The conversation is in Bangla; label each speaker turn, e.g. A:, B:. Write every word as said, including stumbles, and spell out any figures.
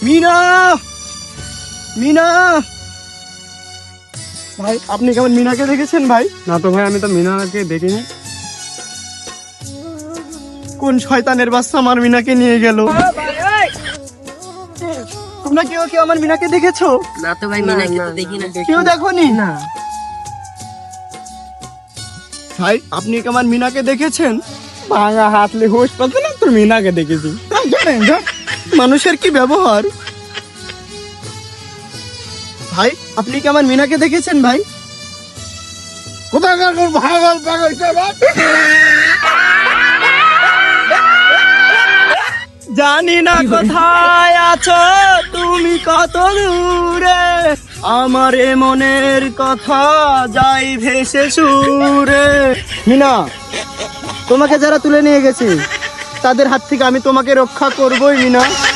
A: মিনা, মিনা ভাই, আপনি কেমন মিনাকে দেখেছেন ভাই?
B: না তো ভাই, আমি তো মিনাকে দেখিনি।
A: কোন শয়তানের বাচ্চা আমার মিনাকে নিয়ে গেল? তোমরা কেউ কেউ আমার মিনাকে দেখেছো?
C: না তো ভাই, মিনাকে তো দেখি না।
A: কেউ দেখোনি? না ভাই, আপনি কি আমার মিনাকে দেখেছেন?
B: ভাঙা হাতলে হোশ পাচ্ছে না, তোর মিনাকে দেখেছি।
A: জানেন যা মানুষের কি ব্যবহার। ভাই, আপনি কি আমার মিনাকে দেখেছেন ভাই?
B: কোথায় ভাগল পাগল
A: জানি না কোথায় আছো তুমি, কত দূরে আমার এ মনের কথা যাই ভেসে সুরে। মিনা, তোমাকে যারা তুলে নিয়ে গেছে তাদের হাত থেকে আমি তোমাকে রক্ষা করবই মিনা।